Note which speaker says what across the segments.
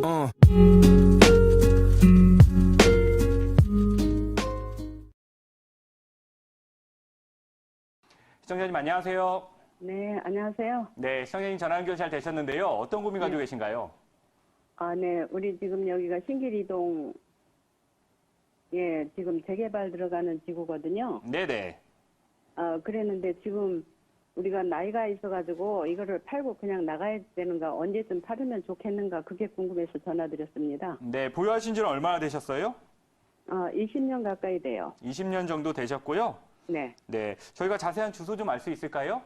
Speaker 1: 시청자님 안녕하세요.
Speaker 2: 네, 안녕하세요.
Speaker 1: 네, 시청자님 전화 연결 잘 되셨는데요. 어떤 고민 가지고 계신가요?
Speaker 2: 네, 우리 지금 여기가 신길이동, 지금 재개발 들어가는 지구거든요.
Speaker 1: 네네.
Speaker 2: 그랬는데 지금 우리가 나이가 있어가지고 이거를 팔고 그냥 나가야 되는가, 언제쯤 팔으면 좋겠는가, 그게 궁금해서 전화드렸습니다.
Speaker 1: 네, 보유하신 지는 얼마나 되셨어요?
Speaker 2: 20년 가까이 돼요.
Speaker 1: 20년 정도 되셨고요.
Speaker 2: 네.
Speaker 1: 네, 저희가 자세한 주소 좀 알 수 있을까요?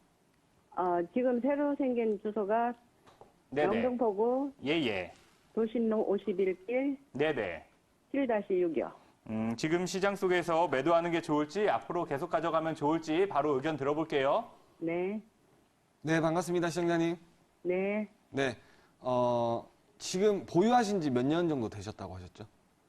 Speaker 2: 지금 새로 생긴 주소가
Speaker 1: 네네.
Speaker 2: 영등포구
Speaker 1: 예예.
Speaker 2: 도신로 51길
Speaker 1: 네네.
Speaker 2: 7-6이요.
Speaker 1: 지금 시장 속에서 매도하는 게 좋을지 앞으로 계속 가져가면 좋을지 바로 의견 들어볼게요.
Speaker 2: 네.
Speaker 3: 네, 반갑습니다, 시청자님.
Speaker 2: 네.
Speaker 3: 네, 지금 보유하신 지 몇 년 정도 되셨다고 하셨죠?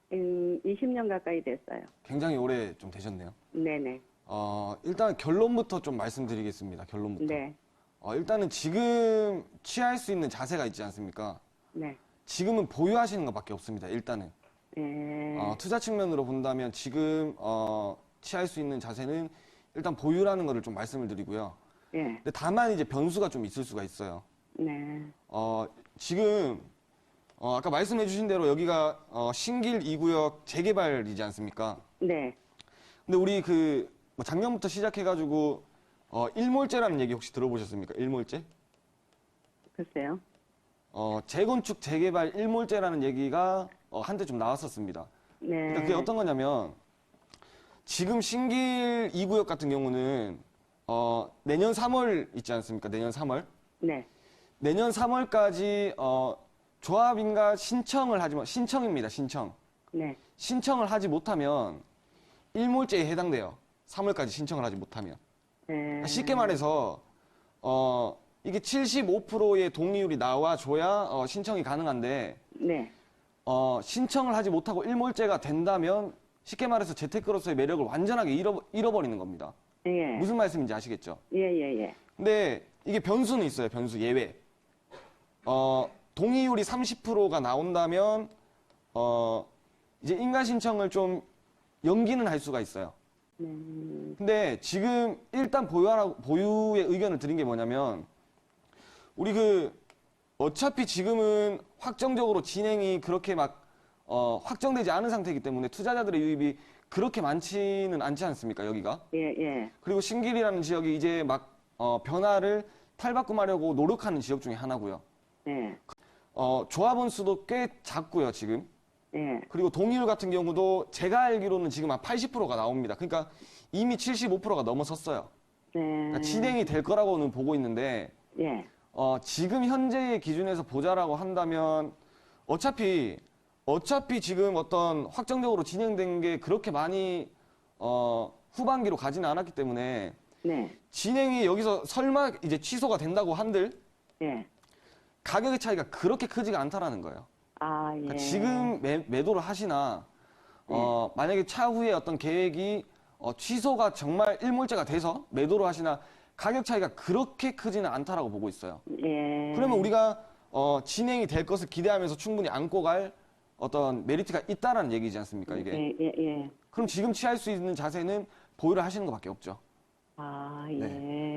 Speaker 2: 20년 가까이 됐어요.
Speaker 3: 굉장히 오래 좀 되셨네요.
Speaker 2: 네네.
Speaker 3: 일단 결론부터 좀 말씀드리겠습니다. 결론부터.
Speaker 2: 네.
Speaker 3: 일단은 지금 취할 수 있는 자세가 있지 않습니까?
Speaker 2: 네.
Speaker 3: 지금은 보유하시는 것밖에 없습니다. 일단은. 투자 측면으로 본다면 지금 취할 수 있는 자세는 일단 보유라는 거를 좀 말씀을 드리고요.
Speaker 2: 예.
Speaker 3: 근데 다만 이제 변수가 좀 있을 수가 있어요.
Speaker 2: 네.
Speaker 3: 지금 아까 말씀해 주신 대로 여기가 신길 2구역 재개발이지 않습니까?
Speaker 2: 네.
Speaker 3: 근데 우리 뭐 작년부터 시작해가지고 일몰제라는 얘기 혹시 들어보셨습니까? 일몰제?
Speaker 2: 글쎄요.
Speaker 3: 재건축 재개발 일몰제라는 얘기가 한때 좀 나왔었습니다.
Speaker 2: 네.
Speaker 3: 그러니까 그게 어떤 거냐면 지금 신길 2구역 같은 경우는 내년 3월 있지 않습니까? 내년 3월.
Speaker 2: 네.
Speaker 3: 내년 3월까지 조합인가 신청입니다. 신청.
Speaker 2: 네.
Speaker 3: 신청을 하지 못하면 일몰제에 해당돼요. 3월까지 신청을 하지 못하면.
Speaker 2: 네.
Speaker 3: 쉽게 말해서 이게 75%의 동의율이 나와줘야 신청이 가능한데
Speaker 2: 네.
Speaker 3: 신청을 하지 못하고 일몰제가 된다면 쉽게 말해서 재테크로서의 매력을 완전하게 잃어버리는 겁니다.
Speaker 2: 예.
Speaker 3: 무슨 말씀인지 아시겠죠?
Speaker 2: 예.
Speaker 3: 근데 이게 변수는 있어요. 변수 예외. 동의율이 30%가 나온다면 이제 인가 신청을 좀 연기는 할 수가 있어요. 근데 지금 일단 보유의 의견을 드린 게 뭐냐면 우리 어차피 지금은 확정적으로 진행이 그렇게 막 확정되지 않은 상태이기 때문에 투자자들의 유입이 그렇게 많지는 않지 않습니까, 여기가?
Speaker 2: 예.
Speaker 3: 그리고 신길이라는 지역이 이제 막 변화를 탈바꿈하려고 노력하는 지역 중에 하나고요.
Speaker 2: 네.
Speaker 3: 조합원 수도 꽤 작고요, 지금.
Speaker 2: 예.
Speaker 3: 그리고 동의율 같은 경우도 제가 알기로는 지금 한 80%가 나옵니다. 그러니까 이미 75%가 넘어섰어요.
Speaker 2: 네.
Speaker 3: 그러니까 진행이 될 거라고는 보고 있는데
Speaker 2: 예.
Speaker 3: 지금 현재의 기준에서 보자라고 한다면 어차피 지금 어떤 확정적으로 진행된 게 그렇게 많이 후반기로 가지는 않았기 때문에
Speaker 2: 네.
Speaker 3: 진행이 여기서 설마 이제 취소가 된다고 한들
Speaker 2: 예.
Speaker 3: 가격의 차이가 그렇게 크지가 않다라는 거예요.
Speaker 2: 예.
Speaker 3: 그러니까 지금 매도를 하시나 만약에 차후에 어떤 계획이 취소가 정말 일몰제가 돼서 매도를 하시나 가격 차이가 그렇게 크지는 않다라고 보고 있어요.
Speaker 2: 예.
Speaker 3: 그러면 우리가 진행이 될 것을 기대하면서 충분히 안고 갈 어떤 메리트가 있다라는 얘기지 않습니까, 이게?
Speaker 2: 예.
Speaker 3: 그럼 지금 취할 수 있는 자세는 보유를 하시는 것밖에 없죠.
Speaker 2: 예.
Speaker 3: 네.